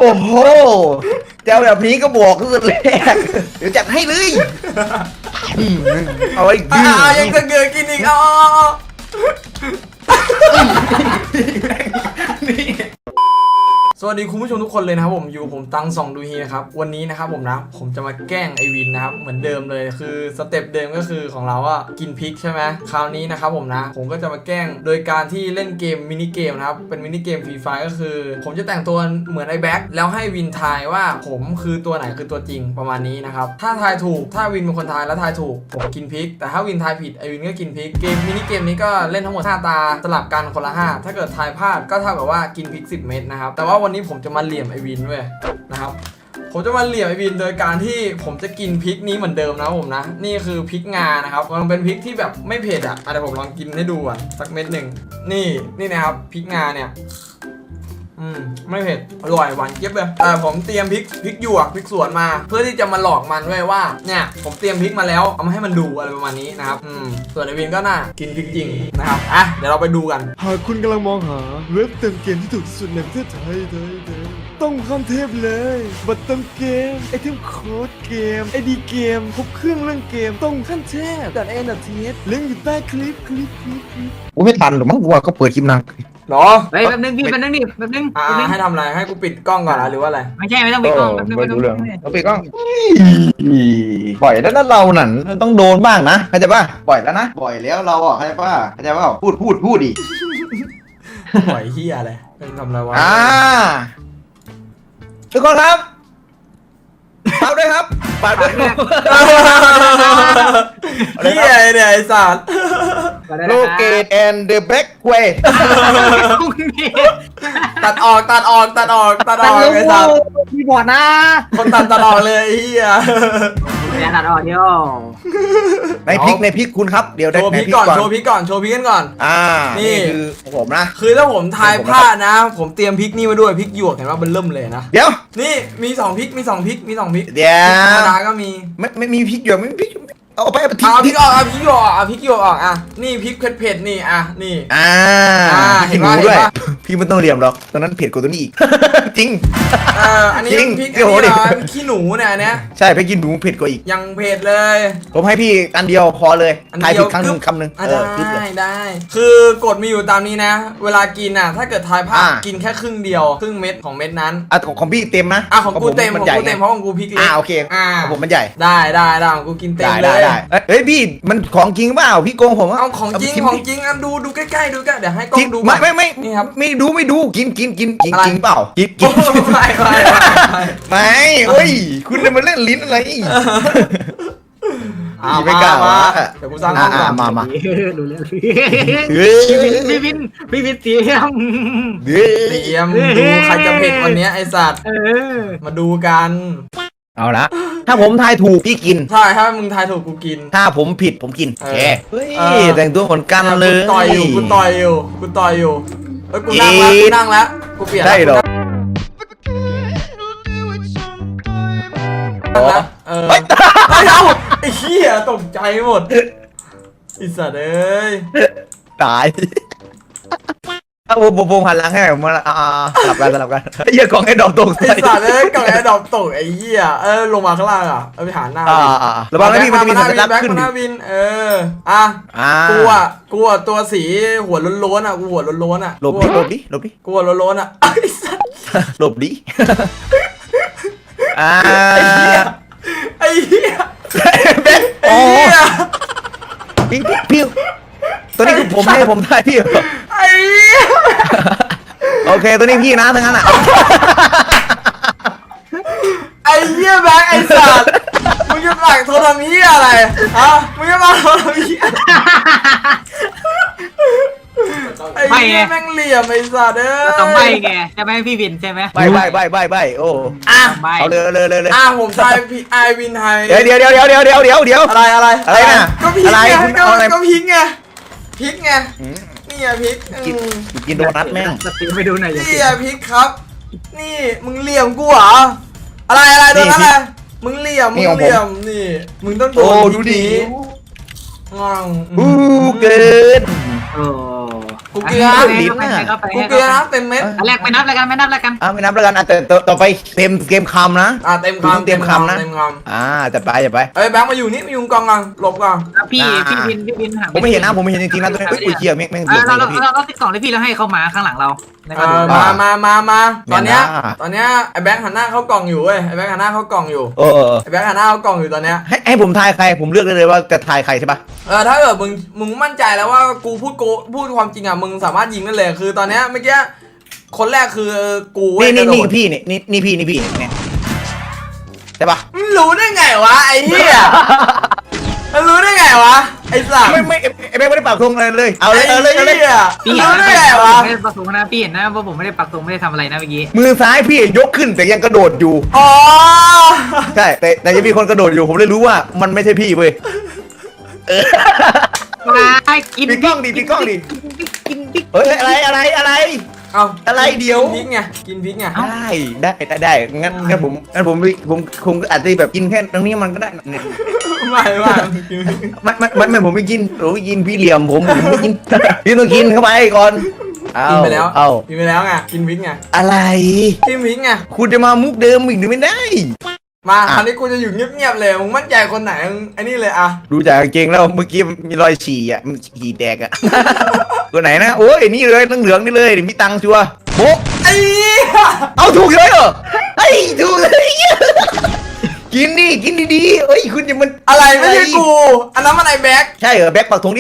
อ้โหเจ้าแบบนี้ก็บอกตั้งแต่แรกเดี๋ยวจัดให้เลยเอาไว้ยังจะเกิดกินอีกสวัสดีคุณผู้ชมทุกคนเลยนะครับผมอยู่ผมตังส่องดูฮีนะครับวันนี้นะครับผมจะมาแกล้งไอวินนะครับเหมือนเดิมเลยคือสเต็ปเดิมก็คือของเราอะกินพริกใช่ไหมคราวนี้นะครับผมก็จะมาแกล้งโดยการที่เล่นเกมมินิเกมนะครับเป็นมินิเกมฟรีไฟก็คือผมจะแต่งตัวเหมือนไอแบ็คแล้วให้วินทายว่าผมคือตัวไหนคือตัวจริงประมาณนี้นะครับถ้าทายถูกถ้าวินเป็นคนทายแล้วทายถูกผมกินพริกแต่ถ้าวินทายผิดไอวินก็กินพริกเกมมินิเกมนี้ก็เล่นทั้งหมด5 ตาสลับกันคนละ5ถ้าเกิดทายพลาดก็เท่ากับว่ากินพริก10 เม็ดนะครับแต่ว่าวันนี้ผมจะมาเหลี่ยมไอวินด้วยนะครับผมจะมาเหลี่ยมไอวินโดยการที่ผมจะกินพริกนี้เหมือนเดิมนะผมนะนี่คือพริกงานะครับมันเป็นพริกที่แบบไม่เผ็ดอ่ะเดี๋ยวผมลองกินให้ดูอ่ะสักเม็ดหนึ่งนี่นะครับพริกงาเนี่ยไม่เผ็ดอร่อยหวานเจี๊ยบเลยผมเตรียมพริกหยวกพริกสวนมาเพื่อที่จะมาหลอกมันไว้ว่าเนี่ยผมเตรียมพริกมาแล้วเอามาให้มันดูอะไรประมาณนี้นะครับส่วนไอวินก็น่ากินพริกจริงนะครับเดี๋ยวเราไปดูกันหากคุณกำลังมองหาเว็บเติมเกมที่ถูกที่สุดในประเทศไทยต้องขั้นเทพเลยบัตรเติมเกมไอเทมโค้ดเกมไอดีเกมครบเครื่องเรื่องเกมต้องขั้นเทพดัดแอนดัดเทสลิงก์อยู่ใต้คลิปกูไม่ทันหรอกมั้งกูว่าก็เปิดคลิปนางหรอเฮ้ยแป๊บนึงพี่แป๊บนึงดิแป๊บนึงให้ทำอะไรให้กูปิดกล้องก่อนหรือว่าอะไรไม่ใช่ไม่ต้องปิดกล้องแป๊บนึงไม่รู้เรื่องเราปิดกล้องปล่อยแล้วนะเราหนันต้องโดนบ้างนะเข้าใจป่ะปล่อยแล้วนะปล่อยแล้วเราอ่ะเข้าใจป่ะเข้าใจป่ะพูดดิปล่อยเฮียอะไรทำอะไรวะทุกคนครับฝากด้วยครับฝากด้วยเฮียเนี่ยไอ้สัตว์โลเกตแอนด์เดอะแบ็กเวย์ตัดออกไอ้สัตว์พี่บอดนะคนตัดออกเลยเฮียอย่าตัดออกเดียวในพริกคุณครับเดี๋ยวโชว์พริกก่อนโชว์พริกกันก่อนนี่คือผมนะคือถ้าผมทายพลาดนะผมเตรียมพริกนี่มาด้วยพริกหยวกเห็นว่ามันเริ่มเลยนะเดี๋ยวนี่มี2 พริกเดี๋ยวธรรมดาก็มีไม่มีพริกหยวกไม่มีพริกเอาไปพริกออกพริกหยวกออกนี่พริกเผ็ดนี่นี่เห็นด้วยพี่ไม่ต้องเรียมหรอกตอนนั้นเผ็ดกว่าตัวนี้อีกจริงอันนี้พริกขี้หนูเนี่ยใช่พริกขี้หนูเผ็ดกว่าอีกยังเผ็ดเลยผมให้พี่อันเดียวพอเลยทายผิดคำหนึ่งได้คือกฎมีอยู่ตามนี้นะเวลากินถ้าเกิดทายพลาดกินแค่ครึ่งเดียวครึ่งเม็ดของเม็ดนั้นของพี่เต็มนะของกูเต็มเพราะของกูพริกเล็กโอเคผมมันใหญ่ได้ของกูกินเต็มเลยเฮ้ยพี่มันของจริงเปล่าพี่โกงผมเอาของจริงดูใกล้ๆดูกันเดี๋ยวให้กล้องดูไม่นี่ครับไม่ดูกินจริงเปล่ากินไม่เฮ้ยคุณจะมาเล่นลิ้นอะไรไม่กล้าเดี๋ยวกูสร้างห้องก่อนมาดูเรื่องพี่วินเตรียมดูใครจะเผ็ดวันนี้ไอสัตว์มาดูกันเอาละถ้าผมทายถูกพี่กินใช่ถ้ามึงทายถูกกูกินถ้าผมผิดผมกินแกเฮ้ยแต่งตัวเหมือนกันเลยกูต่อยอยู่กูนั่งแล้วกูเปลี่ยนได้หรอไอ้เหี้ยตกใจหมดไอ้สัตว์เอ้ยตายผมหันหลังให้ผมมาสลับกันเหี้ยกล่องไอ้ดอกตกไอ้สัตว์เอ้ยกล่องไอ้ดอกตกไอ้เหี้ยลงมาข้างล่างเอาไปหาหน้าระวังนะพี่มันจะมีสัญลักษณ์ขึ้นวินกูตัวสีหัวล้วนกูหัวล้วนหลบดิกูหัวล้วนไอ้สัตว์หลบดิไอ้เหี้ยพี่ตัวนี้คือผมให้ผมได้พี่ไอ้โอเคตัวนี้พี่นะทั้งนั้นไอ้เหี้ยแบงค์ไอ้สัตว์มึงจะหลักโทรทำเหี้ยอะไรมึงจะมาโทรทำเหี้ยไอ้เหี้ยแม่งเหลี่ยมไอ้สัตว์ต้องใบไงจะไม่พี่วินใช่ไหมใบโอ้เอาเลยผมทายพี่ไอวินไทยเดี๋ยวอะไรนะก็พริกไงก็พริกไงนี่พริกกินโดนัทแม่งไปดูหน่อยนี่พริกครับนี่มึงเหลี่ยมกูเหรออะไรโดนอะไรมึงเหลี่ยมนี่มึงต้องโดนดูดิงองเกินกูเกลือลิ้นน่ะกูเกลือเต็มเม็ดอันแรกไม่นับแล้วกันไม่นับแล้วกันไม่นับแล้วกันแต่ต่อไปเต็มเกมคำนะเต็มคุณต้องคำเตรียมคำนะเต็มคจะไปอย่าไปำเอ้ยแบงค์มาอยู่นี่มาอยู่กองกันหลบก่อนพี่อ่าพี่วินหาผมไม่เห็นนะผมไม่เห็นจริงๆนะตัวนี้อุ้ยเชี่ยแม่งเราเดือดเราเลยพี่เราติดกล่องเลยพี่แล้วให้เขามาข้างหลังเราในกเอระดูอก มาตอนเนี้ยเนี่ยนะตอนเนี้ยไอ้แบงค์หันหน้าเข้ากล่องอยู่เว้ยไอ้แบงค์หันหน้าเข้ากล่องอยู่ ไอ้แบงค์หันหน้าเข้ากล่องอยู่ตอนเนี้ยให้ผมทายใครผมเลือกได้เลยว่าจะทายใครใช่ปะถ้าเกิดมึงมั่นใจแล้วว่ากูพูดความจริงอ่ะมึงสามารถยิงได้เลยคือตอนเนี้ยเมื่อกี้คนแรกคือกูเว้ยนี่กระโดดพี่นี่พี่เนี่ยใช่ปะมึงรู้ได้ไงวะไอ้เหี้ยมึงรู้ได้ไงวะไอ้สัตว์ไม่ไอ้แม่ไม่ได้ปากทงอะไรเลยเอาเลยไอ้หี้พี่รู้เห็นได้นะไงวะไม่ได้ปักธงนะพี่เห็นนะว่าผมไม่ได้ปักธงไม่ได้ทำอะไรนะเมื่อกี้มือซ้ายพี่ยกขึ้นแต่ยังกระโดดอยู่อ๋อใช่แต่ยังมีคนกระโดดอยู่ผมเลยรู้ว่ามันไม่ใช่พี่เว้ยมากินปิดกล้องดิกินพริกเฮ้ยอะไรเอาอะไรเดี๋ยวกินพริกไงกินพริกไงได้งั้นผมคงอาจจะแบบกินแค่ตรงนี้มันก็ได้เนี่ยไม่มันผมไม่กินพี่เหลี่ยมผมไม่กินพี่ต้องกินเข้าไปก่อนกินไปแล้วเอากินไปแล้วไงกินพริกไงอะไรกินพริกไงคุณจะมามุกเดิมอีกหรือไม่ได้มาคราวนี้กูจะอยู่เงียบๆเลยมึงมั่นใจคนไหนมึงไอ้นี่เลยอะดูจากกางเกงแล้วเมื่อกี้มีรอยฉี่อ่ะมันฉี่แตกอ่ะ ตัวไหนนะโอ้ยนี่เลยตั้งเหลืองนี่เลยมีตังค์ชัวร์โบ๊ะไอ้เหี้ยเอาถูกเลยเหรอไอ้ถูกเลยกินดีๆเอ้ยคุณจะมันอะไรไม่ใช่กูอันนั้นมันไอ้แบ็คใช่เหรอแบ็คปักธงดิ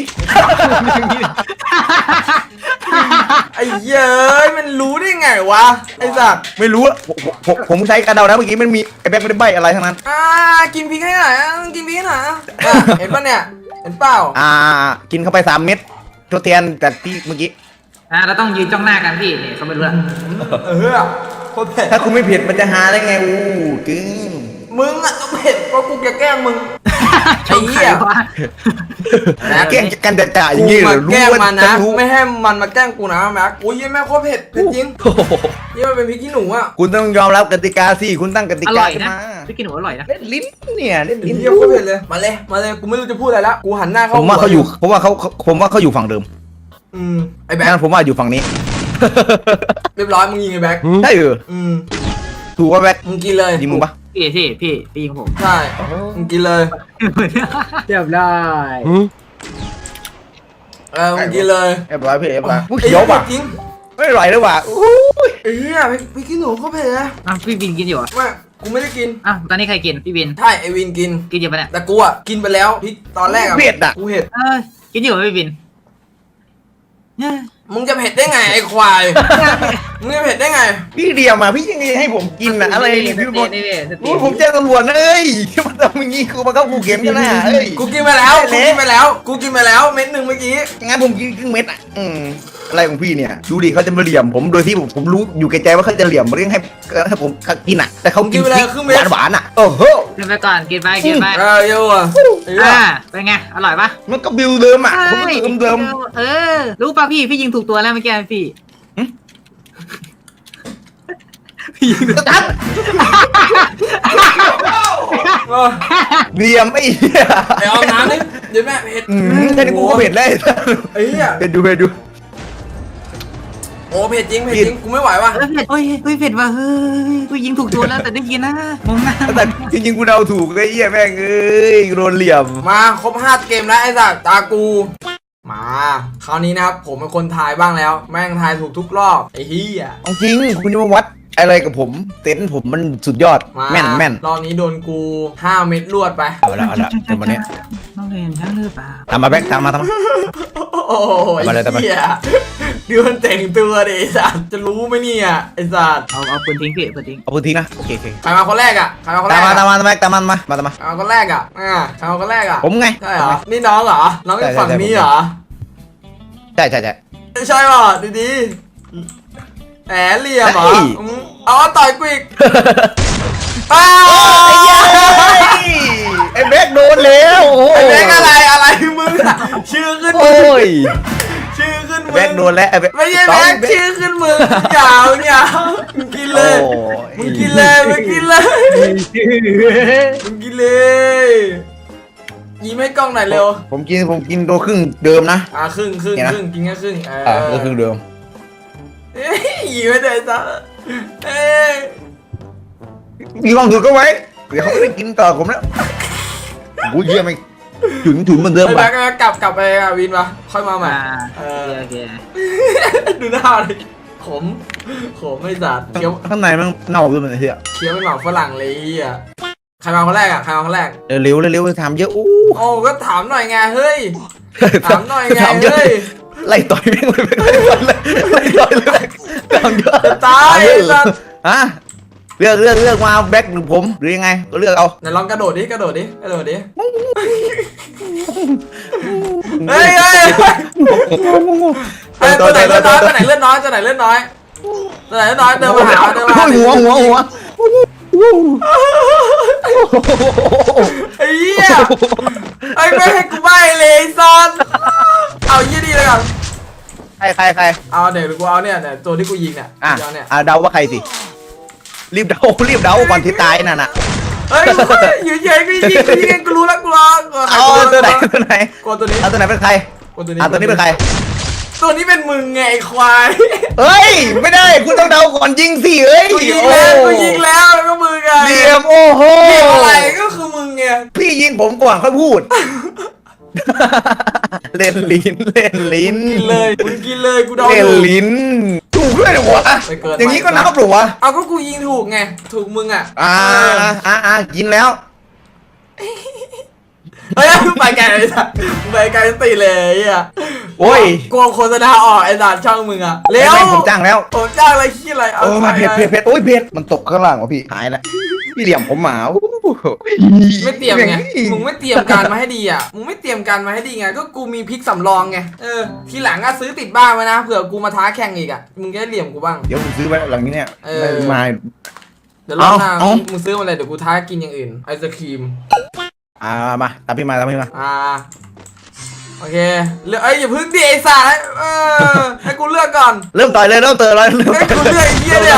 ไอ้เย้ยมันรู้ได้ไงวะไอ้สัตว์ไม่รู้อะผมใช้การเดานะเมื่อกี้มันมีไอ้แบ็คไม่ได้ใบอะไรทั้งนั้นกินพริกให้หน่อยกินพริกให้หน่อยเห็นปะเนี่ยเห็นเปล่ากินเข้าไป3 เม็ดทดแทนจากที่เมื่อกี้เราต้องยืนจ้องหน้ากันพี่เนี่ยเขาไม่รู้ละโคตรเผ็ดถ้าคุณไม่เผ็ดมันจะหาได้ไงอู้กึ้งมึงอะต้องเผ็ดเพราะกูจะแกล้งมึงชมใครวะแกล้งกันจ่าอย่างงี้กูเหรมาอแกล้งว่ามันจะนะรู้ไม่ให้มันมาแกล้งกูนะแม็กอุ้ยแม่โคตรเผ็ดเผ็ดจริงโอ้โหนี่มันเป็นพริกขี้หนูอะคุณต้องยอมรับกติกาสิคุณตั้งกติอการ่อยขึ้นนะมาพี่กินหัวอร่อยนะเล่นลิ้นเนี่ยเล่นลิ้นเยี่ยโคตรเผ็ดเลยมาเลยกูไม่รู้จะพูดอะไรละกูหันหน้าเข้าผมว่าเขาอยู่ผมว่าเขาอยู่ฝั่งเดิมไอ้แบ็คงั้นผมว่าอยู่ฝั่งนี้เรียบร้อยมึงยิงไอ้แบ็คใช่เหรอถูกว่าแบ็คมึงกินเลยยิงมึงปะพี่ยิงผมใช่มึงกินเลยเรียบร้อยมึงกินเลยเรียบร้อยพี่เรียบร้อยผู้เขียวป่ะจริงไม่ไหวเลยว่ะอู้ยไอ้เหี้ยพริกขี้หนูเขาเผ็ดนะพี่วินกินอยู่อ่ะไม่กูไม่ได้กินตอนนี้ใครกินพี่วินใช่ไอวินกินกินอยู่ปะเนี่ยแต่กูอ่ะกินไปแล้วพริกตอนแรกอ่ะเผ็ดอ่ะกูเผ็ดกินอยู่พี่วินมึงจะเผ็ดได้ไงไอ้ควาย มึงจะเผ็ดได้ไงพี่เดียวมาพี่ยังไงให้ผมกินอ่ะอะไรเนี่ยพี่บอลนี่ผมแจ้งตำรวจนะเอ้ยที่มันทำอย่างงี้คือมาเข้ากูเข็มกันนะเอ้ยกูกินไปแล้วกูกินไปแล้วกูกินไปแล้วเม็ดหนึ่งเมื่อกี้งั้นผมกินครึ่งเม็ดอ่ะอะไรของพี่เนี่ยดูดิเขาจะมาเหลี่ยมผมโดยที่ผมรู้อยู่แก่ใจว่าเขาจะเหลี่ยมมาเรื่องให้ผมกินอ่ะแต่เขากินพริกหวานๆอ่ะโอ้โหกินไปก่อนกินไปเยอะอ่ะเป็นไงอร่อยปะมันก็บิวเดิมอ่ะผมก็เดิมรู้ป่ะพี่ยิงถูกตัวแล้วเมื่อกี้พี่พี่ยิงถูกตัดเหลี่ยมไอ้เหี้ยไอ้เอาน้ำนี่เดี๋ยวแม่เผ็ดแค่นี้กูก็เผ็ดแล้วไอ้เหี้ยเผ็ดดูโอ้เผ็ดจริงกูไม่ไหวว่ะเผ็ดเผ็ดว่ะเฮ้ยกูยิงถูกตัวแล้วแต่ได้กินนะมองหน้าแต่จริงๆกูเดาถูกไอ้เหี้ยแม่งเอ้ยโดนเหลี่ยมมาครบ5เกมแล้วไอ้สัตว์ตากูมาคราวนี้นะครับผมเป็นคนทายบ้างแล้ว แม่งทายถูกทุกรอบไอ้เหี้ยจริงคุณจะมาวัดอะไรกับผมเต็นท์ผมมันสุดยอดมาแม่นรอบนี้โดนกู5 เม็ดรวดไปเอาละเดี๋ยววันนี้น้องเรียนช่างหรือเปล่าตามมาแบ็คตามมาโอ้ยมาเลยตามมาเหี้ยดูมันแต่งตัวดิไอ้สัตว์จะรู้ไหมเนี่ยไอ้สัตว์เอาปืนทิ้งพี่ปืนทิ้งเอาพื้นที่นะโอเคใครมาคนแรกอ่ะใครมาคนแรตามกมาอะตามมาแบ็คตามมามาใครมาคนแรกอ่ะใครมาคนแรกอ่ะผมไงใช่เหรอนี่น้องเหรอน้องอยู่ฝั่งนี้เหรอใช่ใช่ป่ะดีๆแหมเหลี่ยมเหรอเอาต่อยกูอีกอ้าวไอ้แบ็คโดนแล้วไอ้แบงค์อะไรมึงอะชื่อขึ้นมึโอ้งยชื่อขึ้นมึงแบ็คโดนแล้วไม่ใช่แบงค์ชื่อขึ้นมึงยาวมึงกินเลยมึงกินเลยยิ้มให้กล้องหน่อยเร็วผมกินตัวครึ่งเดิมนะครึ่งเนี่ยนะกินแค่ครึ่งตัวครึ่งเดิมเอ้ยยิ้มให้เลยจ้ะเอ้ยมีความสุขก็ไว้เดี๋ยวเขาไม่ได้กินต่อผมแล้วกูเยี่ยมไหมถึงเหมือนเดิมไปป่ะกลับไปวินปะค่อยมาใหม่โอเคดูหน้าเลยขมไม่จัดเคี้ยวข้างในมันเน่าด้วยมันเหี้ยเคี้ยวเป็นหมาฝรั่งเลยอ่ะใครมาคนแรกเร็วทำเยอะอู้โอ้ก็ถามหน่อยไงเฮ้ยถามหน่อยไงทำเยอะเฮ้ยไล่ต่อยไม่ไปไล่ต่อยเลยทำเยอะจะตายสัตว์ฮะเลือกมาแบ็คหรือผมหรือยังไงก็เลือกเอาไหนลองกระโดดดิเฮ้ยตัวไหนเลือดน้อยเดินมาหาหัวไอ้เหี้ยไอ้ไม่ให้กูใบเลยซันเอายี่ดีเลยกันใครเอาเดี๋ยวกูเอาเนี่ยตัวที่กูยิงเนี่ยเดาว่าใครสิรีบเดาก่อนที่ตายนั่นน่ะเฮ้ยอยู่เฉยกูยิงกูรู้แล้วกูรอเอาตัวไหนกตัวนี้เอาตัวไหนเป็นใครตัวนี้เป็นใครตัวนี้เป็นมึงไงไอ้ควายเฮ้ยไม่ได้คุณต้องเดาก่อนยิงสิเอ้ยกูยิงแล้วแล้วก็มึงไงเรียมโอ้โหเรียมอะไรก็คือมึงไงพี่ยิงผมก่อนค่อยพูด เล่นลิ้นกินเลยกูเดาเล่นลิ้นถูกด้วยเหรอวะอย่างนี้ก็นับหรอวะเอาก็กูยิงถูกไงถูกมึงอ่ะกินแล้วเฮ้ยไปไกลเลยสัสไปไกลตีเลยอ่ะโอ้ยกลัวโฆษณาออกไอ้สัสช่างมึงอ่ะเร็วผมจ้างแล้วผมจ้างอะไรขี้อะไรเอาเผ็ดโอ้ยเผ็ดมันตกข้างล่างวะพี่หายแล้วพี่เหลี่ยมผมหมาไม่เตรียมไงมึงไม่เตรียมการมาให้ดีอ่ะมึงไม่เตรียมการมาให้ดีไงก็กูมีพริกสำรองไงทีหลังอ่ะซื้อติดบ้านไว้นะเผื่อกูมาท้าแข่งอีกอ่ะมึงจะได้เหลี่ยมกูบ้างเดี๋ยวผมซื้อไว้หลังนี้เนี่ยมาเดี๋ยวรอบหน้ามึงซื้อมาเลยเดี๋ยวกูท้ากินอย่างอื่นไอศครีมมาตามพี่มาโอเคเลือกอย่าพึ่งดิไอ้สารให้กูเลือกก่อนเริ่มต่อยเลยให้กูเลือกไอ้เหี้ยเนี่ย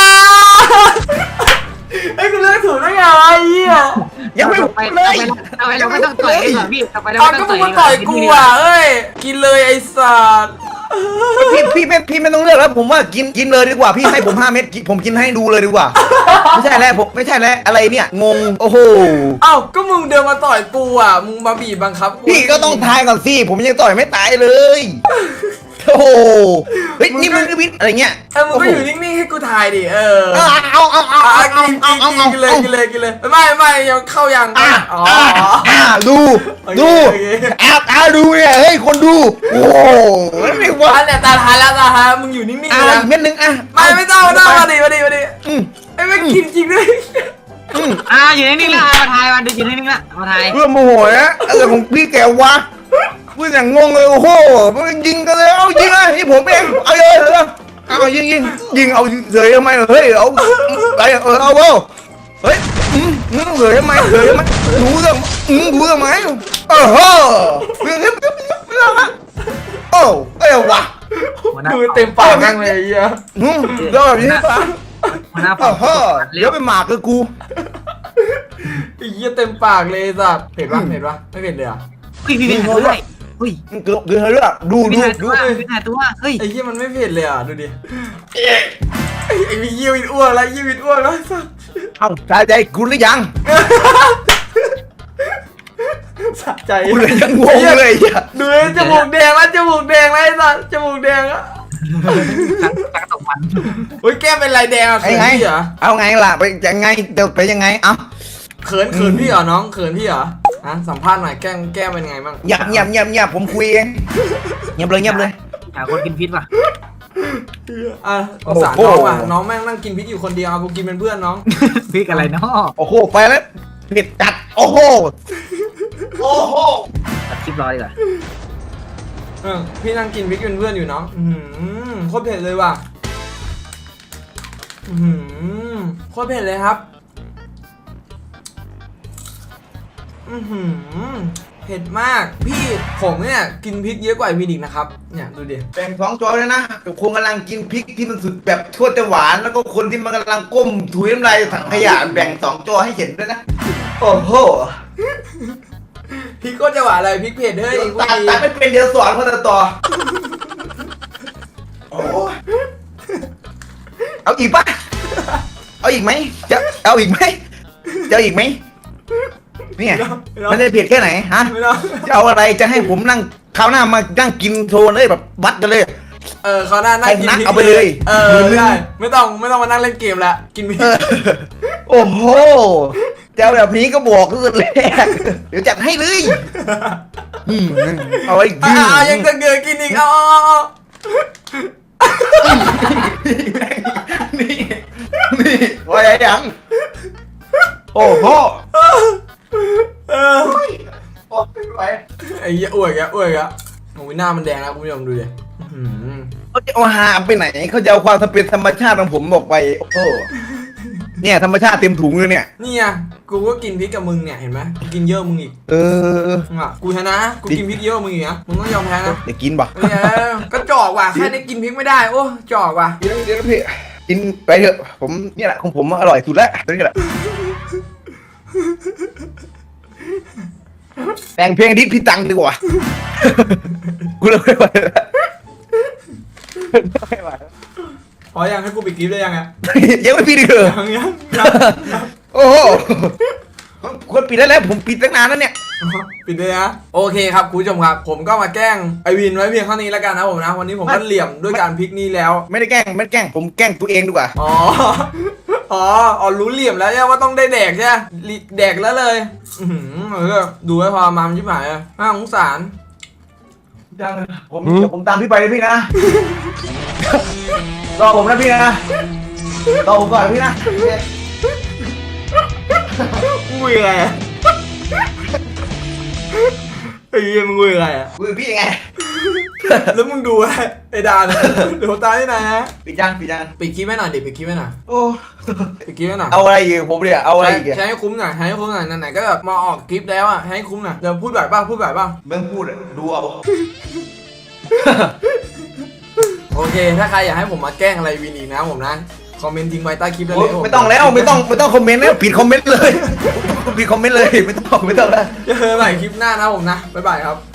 ให้กูเลือกถูกได้ไงไอ้เหี้ยยังไม่เลยทำไมเราไม่ต้องต่อยเหรอพี่ทำไมเราไม่ก็ต้องมึงมาต่อยกูอ่ะเอ้ยกินเลยไอ้สารพี่ไม่ต้องเลือกแล้วผมว่ากินเลยดีกว่าพี่ให้ผม5 เม็ดผมกินให้ดูเลยดีกว่าไม่ใช่แล้วอะไรเนี่ยงงโอ้โหก็มึงเดินมาต่อยกูอ่ะมึงมาบีบบังคับกูพี่ก็ต้องทายก่อนสิผมยังต่อยไม่ตายเลยโอ้โหเฮ้ยนี่มึงวิทอะไรเงี้ยมึงก็อยู่นิ่งๆให้กูทายดิเอากินเลยไม่ยังเข้ายังดูดูเนี่ยเฮ้ยคนดูโอ้โหไม่ว่าเนี่ยตาทายมึงอยู่นิ่งๆนะเม็ดนึงไม่ต้องมาดิไอ้ไม่กินจริงด้วยอยู่นิ่งๆละมาทายมาดูอยู่นิ่งๆละมาทายเพื่อโมโหนะอะไรของพี่แกวะพูดอย่างงงเลยโอ้โหยิงกันเลยเอายิงเลยนี่ผมเองเอาเลยเอายิงเอาเฉยทำไมเฮ้ยเอาอะไรเอาเฮ้ยเฉยทำไมรู้เรื่องไหมเรื่องโอ้เอ้ยวะดูเต็มปากนั่งเลยเหี้ยเดี๋ยวแบบนี้ปะเดี๋ยวไปหมากกับกูไอ้เหี้ยเต็มปากเลยสัตว์เห็นปะไม่เห็นเลยอ่ะพี่ด้วยเฮ้ยเกือบเลือกดูพี่ถ่ายตัวเฮ้ยไอ้เหี้ยมันไม่เผ็ดเลยอ่ะดูดิไอ้มีเยี่ยวอิดอ้วนแล้วสัตว์เอาสะใจกูหรือยังสะใจกูเลยยังงงเลยดูจมูกแดงแล้วไอ้สัตว์จมูกแดงอ่ะตกมันโอ้ยแก้มเป็นลายแดงอ่ะไงเอาไงล่ะไปยังไงเดี๋ยวไปยังไงเอ้าเขินพี่เหรอน้องเขินพี่เหรอสัมภาษณ์หน่อยแก้มเป็นไงบ้างเงียบผมคุยเองเงียบเลยหาคนกินพิษป่ะสงสารน้องว่ะน้องแม่งนั่งกินพิษอยู่คนเดียวกูกินเป็นเพื่อนน้องพิษอะไรเนาะโอ้โหไปแล้วเผ็ดจัดโอ้โหตัดคลิปรอดีกว่าพี่นั่งกินพริกเป็นเพื่อนอยู่น้องโคตรเผ็ดเลยว่ะโคตรเผ็ดเลยครับเผ็ดมากพี่ผมเนี่ยกินพริกเยอะกว่าพี่ดิกนะครับเนี่ยดูดิแบ่ง2 จอเลยนะกับคนกำลังกินพริกที่มันสุดแบบทั่วแต่หวานแล้วก็คนที่มันกำลังก้มถุยน้ำลายถังขยะแบ่ง2 จอให้เห็นด้วยนะโอ้โหพริกก็จะหวานอะไรพริกเผ็ดเฮ้ยกูตัดดีตัดไม่เป็นเดี๋ยวสอนเขาจะต่อโอ้เอาอีกปะเอาอีกไหมจะเอาอีกไหมจะเอาอีกไหมเนี่ยมันจะเผ็ดแค่ไหนฮะไม่ต้องจะเอาอะไรจะให้ผมนั่งคราวหน้ามานั่งกินโชว์เลยแบบวัดกันเลยเขาหน้านั่งกินพริกเอาไปเลยได้ไม่ต้องมานั่งเล่นเกมละกินพริกโอ้โหเจ้าแบบนี้ก็บอกตั้งแต่แรกเดี๋ยวจัดให้เลยเอาไว้ยังจะเกลือกินอีกเอานี่นี่ว่ายังโอ้โหไม่ไหวไอ้เหี้ยอ้วยอ่ะโอ้ยหน้ามันแดงแล้วคุณผู้ชมดูดิเขาจะเอาหาไปไหนเขาจะเอาความเป็นธรรมชาติของผมออกไปโอ้โหเนี่ยธรรมชาติเต็มถุงเลยเนี่ยนี่ไงกูก็กินพริกกับมึงเนี่ยเห็นไหมกินเยอะมึงอีก กูชนะกูกินพริกเยอะมึงอีกนะมึงต้องยอมแพ้นะเดี๋ยวกินบ่ก็จอกว่ะแค่ได้กินพริกไม่ได้โอ้จอกว่ะเดี๋ยวพี่กินไปเถอะผมเนี่ยแหละของผมอร่อยสุดแล้วนี่แหละแต่งเพลงดิสพี่ตังดีกว่ากูเลยไม่ไหวแล้วไม่ไหวพอยังให้กูปิดคลิปได้ยังอ่ะยังไม่ปิดอีกเหรอยังโอ้โหคนปิดได้แล้วผมปิดตั้งนานแล้วเนี่ยปิดเลยนะโอเคครับคุณผู้ชมครับผมก็มาแกล้งไอวินไว้เพียงเท่านี้แล้วกันนะผมนะวันนี้ผมก็เหลี่ยมด้วยการพลิกนี้แล้วไม่ได้แกล้งผมแกล้งตัวเองดีกว่าอ๋อรู้เหลี่ยมแล้วใช่ว่าต้องได้แดกใช่ไหมแดกแล้วเลยดูให้พอมามชิบหายน่าสงสารเดี๋ยวผมตามพี่ไปเลยพี่นะรอผมนะพี่นะรอผมก่อนพี่นะงุยอะไรไอ้เหี้ยมึงงุยอะไรอ่ะคุยกับพี่ยังไงแล้วมึงดูไอ้ดานดูตาที่ไหนฮะปิดยังปิดคลิปให้หน่อยดิปิดคลิปให้หน่อยโอ้ปิดคลิปให้หน่อยเอาอะไรอีกผมเนี่ยเอาอะไรอีกใช้ให้คุ้มหน่อยไหนๆก็แบบมาออกคลิปแล้วอ่ะให้คุ้มหน่อยเดี๋ยวพูดแบบบ้างมึงพูดดูเอาโอเคถ้าใครอยากให้ผมมาแกล้งอะไรวินอีกนะผมนะคอมเมนต์ทิ้งไว้ใต้คลิปได้เลยไม่ต้องแล้วไม่ต้องคอมเมนต์แล้วปิดคอมเมนต์เลยปิดคอมเมนต์เลยไม่ต้องแล้วเจอกันใหม่คลิปหน้านะผมนะบ๊ายบายครับ